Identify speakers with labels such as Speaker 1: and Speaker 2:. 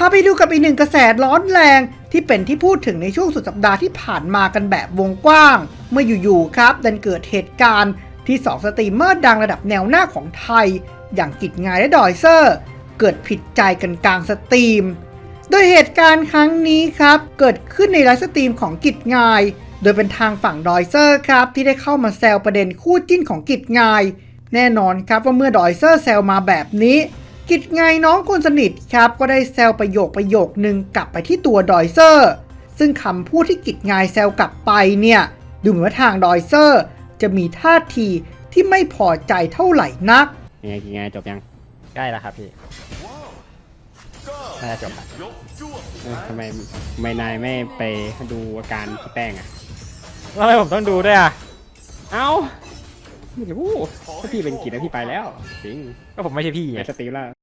Speaker 1: าไปดูกับอีกหนึ่งกระแสร้อนแรงที่เป็นที่พูดถึงในช่วงสุดสัปดาห์ที่ผ่านมากันแบบวงกว้างเมื่ออยู่ๆครับดันเกิดเหตุการณ์ที่2สตรีมเมอร์ดังระดับแนวหน้าของไทยอย่างกิจงายและดอยเซอร์เกิดผิดใจกันกลางสตรีมโดยเหตุการณ์ครั้งนี้ครับเกิดขึ้นในไลฟ์สตรีมของกิจงายโดยเป็นทางฝั่งดอยเซอร์ครับที่ได้เข้ามาแซวประเด็นคู่จิ้นของกิจงายแน่นอนครับว่าเมื่อดอยเซอร์แซวมาแบบนี้กิจงายน้องคนสนิทครับก็ได้แซวประโยคนึงกลับไปที่ตัวดอยเซอร์ซึ่งคำพูดที่กิจงายแซวกลับไปเนี่ยดูเหมือนว่าทางดอยเซอร์จะมีท่าทีที่ไม่พอใจเท่าไหร่นัก
Speaker 2: ยังไงจบยัง
Speaker 3: ใกล้แล้วครับพี่น่าจะจบละ
Speaker 2: ทำไมนายไม่ไปดูอาการพี่แป้งอ่ะ
Speaker 3: ทำไมผมต้องดูด้วยอ่ะ
Speaker 2: เอ้าไม่รู้ถ้าพี่เป็นกิจแล้วพี่ไปแล้วจริง
Speaker 3: ก็ผมไม่ใช่พี่
Speaker 2: ไป
Speaker 3: ไง
Speaker 2: สตรีมแล้ว